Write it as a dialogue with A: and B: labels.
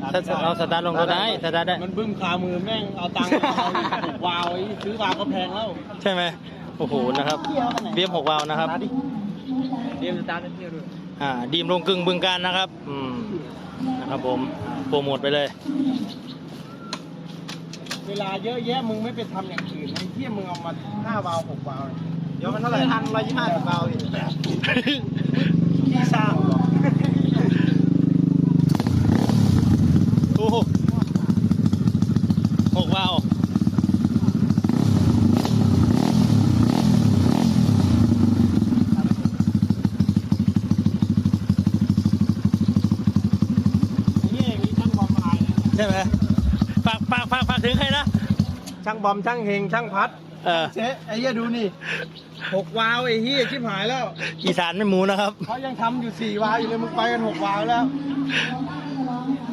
A: เราสตาร์ทลงก็ได้สตาร์ทได้
B: มันบึ้มคามือแม่งเอาตังค์วาวไอ้ซื้อวาวก็แพงแล้ว
A: ใช่ไหมโอ้โหนะครับเบียม6 วาล์วนะครับ
B: เตรียมสตาร์ทเที่ยวด้วย
A: ดีมลงกึ่งบึงการนะครับนะครับผมโปรโมทไปเลย
B: เวลาเยอะแยะมึงไม่ไปทำอย่างอื่นไอ้เที่ยมึงเอามา5 วาล์ว6 วาล์วเดี๋ยวมันเท่าไหร่ทัน125 วาล์วอีกที่สร้างหรอ
A: โอ้โห6 วาล์วใช่ไหมฝากถึงใครนะ
B: ช่างบอมช่างเฮงช่างพัด เจ๊ไอ้เหี้ยดูนี่6 วาล์วไอ้เหี้ยชิบหายแล้ว
A: อีสานไม่หมูนะครับ
B: เขายังทำอยู่4 วาล์วอยู่เลยมึงไปกัน6 วาล์วแล้ว